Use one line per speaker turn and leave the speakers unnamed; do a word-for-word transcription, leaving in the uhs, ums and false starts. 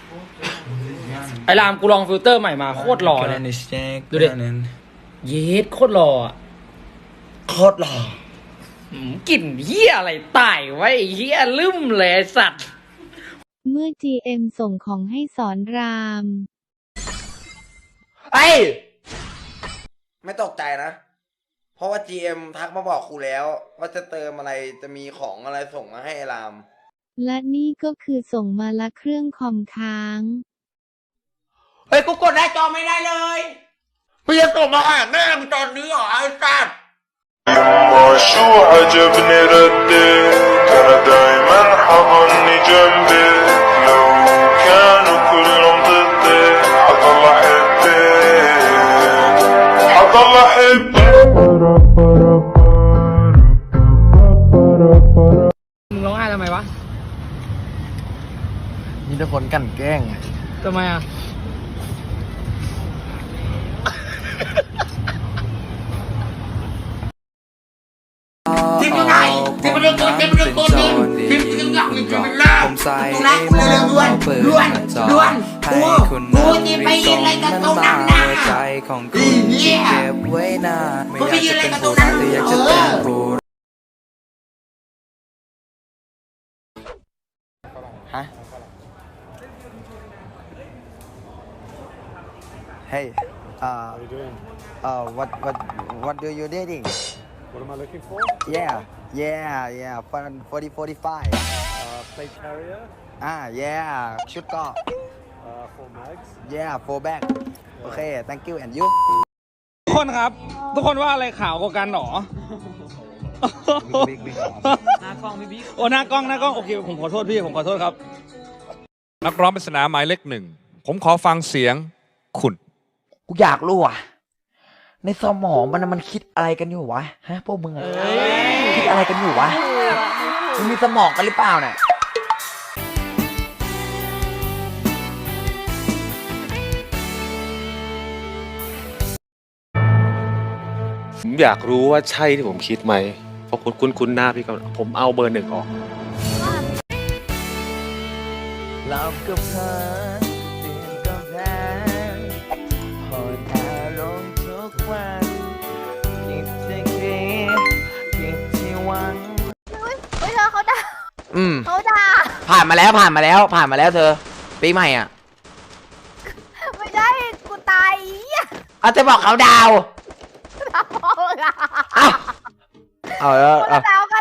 ไอ้รามกูลองฟิลเตอร์ใหม่มาโคตรหล่อเลยดูดิเยสโคตรหล่อโคตรหล่อกลิ่นเหี้ยอะไรตายไว้เหี้ยลืมเลยสัตว์
เมื่อ จี เอ็ม ส่งของให้สอนราม
ไอ้ไม่ตกใจนะเพราะว่า จี เอ็ม ทักมาบอกครูแล้วว่าจะเติมอะไรจะมีของอะไรส่งมาให้ราม
และนี่ก็คือส่งมาละเครื่องคอมค้าง
เฮ้ยกูกดหน้าจอไม่ได้เลยพี่จะส่งมาหาแม่มึงตอนนี้เหรอไอ้สัตว์
شو عجبني ردك أنا دايما حضني جنبك لو كانوا كلهم ضدك حضل أحبك حضل أحبك
มึงร้องไห้ทำไมวะ
มีแต่คนกันแกล้ง
ทำไมอ่ะ
ทีมยังไงทีมมันเล่นโกนทีมมันเล่นโกนทีมทีมทีมอยากมีทีมมันเลิกตุลาคุณเรื่องล้วนล้วนล้วนกูกูจะไปยิงอะไรกันตรงนั้นนะอีเนี่ยกูไปยิงอะไรกันตรงนั้นเออ
ฮะ Hey uh
How are you doing?
uh what what what do you dating
What am I looking for?
yeah yeah yeah forty forty-five
Uh, plate carrier,
อ่า yeah ชุดเกาะ
uh, four mags.
yeah four bag โอเค thank you and you
ทุกคนครับทุกคนว่าอะไรขาวกว่ากันหรอหน้ากล้องพี่บิ๊กโอ้หน้ากล้องหน้ากล้องโอเคผมขอโทษพี่ผมขอโทษครับ
นักร้องปริศนาหมายเลขหนึ่งผมขอฟังเสียงคุณ
กูอยากรู้อ่ะในสมองมันมันคิดอะไรกันอยู่วะฮะพวกมึงอะคิดอะไรกันอยู่วะมึงมีสมองกันหรือเปล่าเนี่ย
ผมอยากรู้ว่าใช่ที่ผมคิดไหมเพราะคุณคุ้นคุ้นหน้าพี่ก็ผมเอาเบอร์หนึ่งออก
เรากับเธอเตียนกำแพงหอยแอลงทุกวันคิดที่คิดคิดที่หวัง
เฮ้ยเฮ้ยเธอเขาด่า
อืม
เขาด่า
ผ่านมาแล้วผ่านมาแล้วผ่านมาแล้วเธอปีใหม่อ่ะ
ไม่ได้กูตายอ่ะ
เอาจะบอกเขาดาว
ดาวพ่อละ
เอาเอาแล้ว
ดาวก็